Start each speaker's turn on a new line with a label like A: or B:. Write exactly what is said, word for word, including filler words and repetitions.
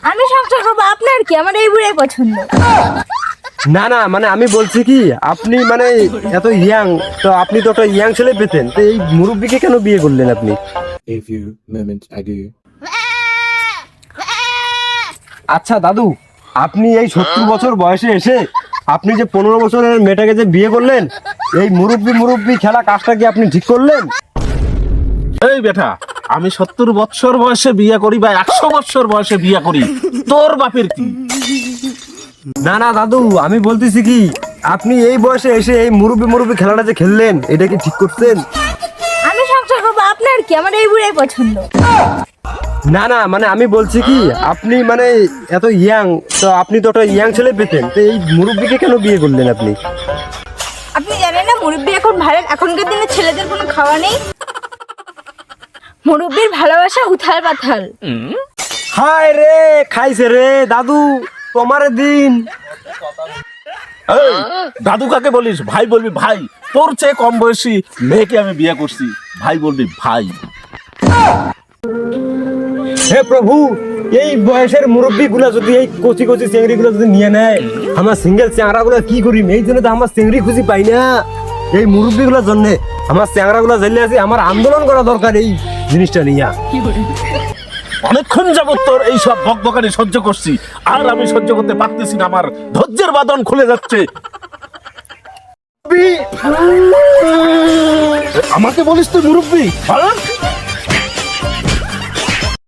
A: আমি সংসার করবো, আপনার কি? আমার এই বুড়াই পছন্দ।
B: না না মানে আমি বলছি কি, আপনি মানে এত ইয়াং, তো আপনি তো একটা ইয়াং ছেলে পেতেন, তো এই মুরব্বিকে কেন বিয়ে করলেন আপনি?
C: A few moments ago.
B: আচ্ছা দাদু, আপনি এই সত্তর বছর বয়সে এসে আপনি যে পনেরো বছরের মেয়েটাকে যে বিয়ে করলেন, এই মুরব্বি মুরব্বি খেলা কাজটা কি আপনি ঠিক করলেন?
D: এই বেটা, আমি সত্তর বৎসর বয়সে বিয়ে করি বা একশো বৎসর বয়সে বিয়ে করি, তোর বাপের কি?
B: না না দাদু, আমি বলতেছি কি, আপনি এই বয়সে এসে এই মুরব্বি মুরব্বি খেলাটা যে খেললেন, এটা কি ঠিক করছেন?
A: আমি সংসার করবো, আপনার কি? আমার এই বুড়াই পছন্দ।
B: না না মানে আমি বলছি কি, আপনি মানে এত ইয়াং, তো আপনি তো একটা ইয়াং ছেলে পেতেন, তো এই মুরব্বিকে কেন বিয়ে করলেন আপনি?
A: আপনি জানেন না মুরব্বি এখন ভালো, এখনকার দিনে ছেলেদের কোনো খাওয়া নেই। মুরব্বির ভালোবাসা উথাল পাথাল।
B: হায় রে, খাইছে রে দাদু তোমার দিন।
D: এই, দাদু কাকে বলিস? ভাই বলবি ভাই। তোর চেয়ে কম বয়সী মেয়েকে আমি বিয়ে করছি, ভাই বলবি ভাই।
B: হে প্রভু, এই বয়সের মুরব্বী গুলা যদি এই কচি কচি চেংড়ি গুলো যদি নিয়ে নেয়, আমার সিঙ্গেল চ্যাংরা গুলা কি করি? এই জন্য তো আমার চেংড়ি খুঁজি পাই না। এই মুরব্বী গুলোর জন্য আমার চ্যাংরা গুলা জ্বালিয়ে আছে, আমার আন্দোলন করা দরকার এই জিনিসটা নিয়ে।
D: অনেকক্ষণ যাবত তোর এইসব বকবকানি সহ্য করছি, আর আমি সহ্য করতে পারতেছি না, আমার ধৈর্যের বাঁধন খুলে যাচ্ছে। আমাকে বলিস তুই মুরব্বী?